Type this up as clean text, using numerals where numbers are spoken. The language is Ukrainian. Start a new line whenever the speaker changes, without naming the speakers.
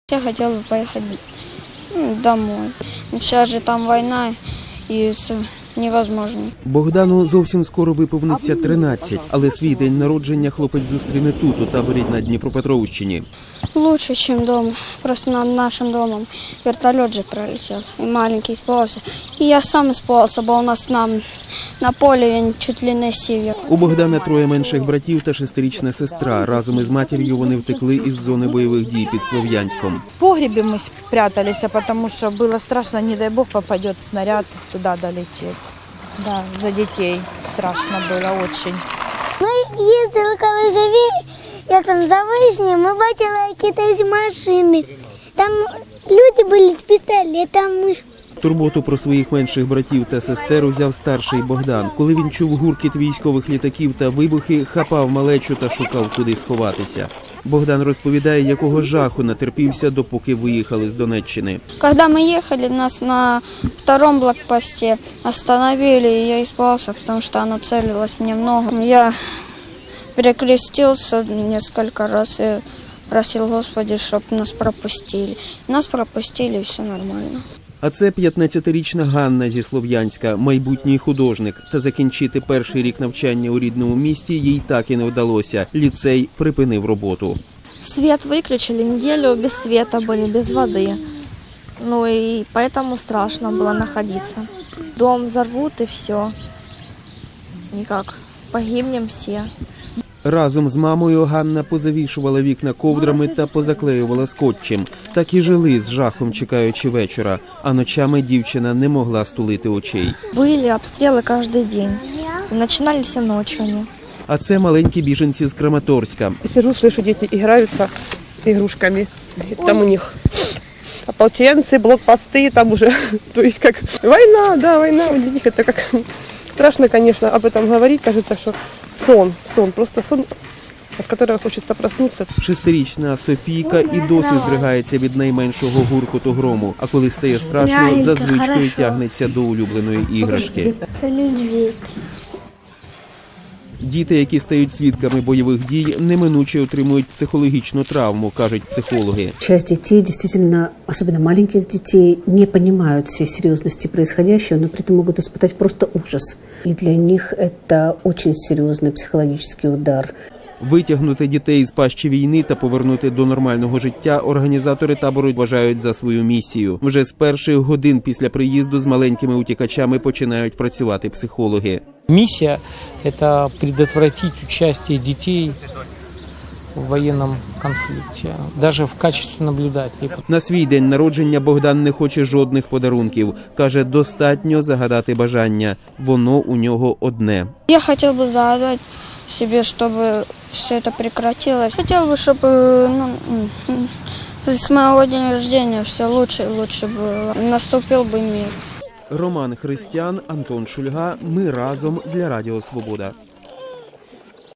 Я хотел бы поехать домой. Сейчас же там война и невозможно.
Богдану зовсім скоро виповниться 13, але свій день народження хлопець зустріне тут, у таборі на Дніпропетровщині.
Лучше, чем дома. Просто над нашим домом вертолет же пролетел. И маленький испугался. И я сам испугался, бо у нас на полі він чуть ли не сів.
У Богдана троє менших братів та 6-річна сестра. Разом із матір'ю вони втекли із зони бойових дій під Слов'янськом.
В погребе мы спрятались, потому что было страшно, не дай бог попадет снаряд, туда долетит. Да, за детей страшно было очень.
Ми їздили коли як там за Вишнею, ми бачили якісь машини. Там люди були з пістолетами.
Турботу про своїх менших братів та сестер узяв старший Богдан. Коли він чув гуркіт військових літаків та вибухи, хапав малечу та шукав, куди сховатися. Богдан розповідає, якого жаху натерпівся, допоки виїхали з Донеччини.
Когда мы ехали, нас на втором блокпосте остановили, и я испугался, потому что оно целилось мне в ногу. Я перекрестился несколько раз и просил Господи, чтобы нас пропустили. Нас пропустили, и все нормально.
А це 15-річна Ганна зі Слов'янська, майбутній художник. Та закінчити перший рік навчання у рідному місті їй так і не вдалося. Ліцей припинив роботу.
Свет выключили, неделю без света были, без воды. Ну и поэтому страшно было находиться. Дом взорвут и все. Никак. Погибнем все.
Разом з мамою Ганна позавішувала вікна ковдрами та позаклеювала скотчем. Так і жили з жахом, чекаючи вечора. А ночами дівчина не могла стулити очей.
Были обстрелы каждый день. И начинались и ночью они.
А це маленькі біженці з Краматорська.
Сижу, слышу, дети играются с игрушками. Там у них ополченцы, блокпосты, там уже, то есть как война, да, война. Для них это как страшно, конечно, об этом говорить. Кажется, что сон, просто сон, от которого хочется проснуться.
6-річна Софійка і досі здригається від найменшого гуркоту грому. А коли стає страшно, за звичкою тягнеться до улюбленої іграшки. Діти, які стають свідками бойових дій, неминуче отримують психологічну травму, кажуть психологи.
Часть детей, действительно, особенно маленьких детей, не понимают всей серьезности происходящего, но при этом могут испытать просто ужас. И для них это очень серьезный психологический удар.
Витягнути дітей з пащі війни та повернути до нормального життя організатори табору вважають за свою місію. Вже з перших годин після приїзду з маленькими утікачами починають працювати психологи.
Миссия – это предотвратить участие детей в военном конфликте, даже в качестве наблюдателей.
На свій день народження Богдан не хоче жодних подарунків. Каже, достатньо загадати бажання. Воно у нього одне.
Я хотел бы загадать себе, чтобы все это прекратилось. Хотел бы, чтобы с моего дня рождения все лучше и лучше было. Наступил бы мир.
Роман Христян, Антон Шульга. Ми разом для Радіо Свобода.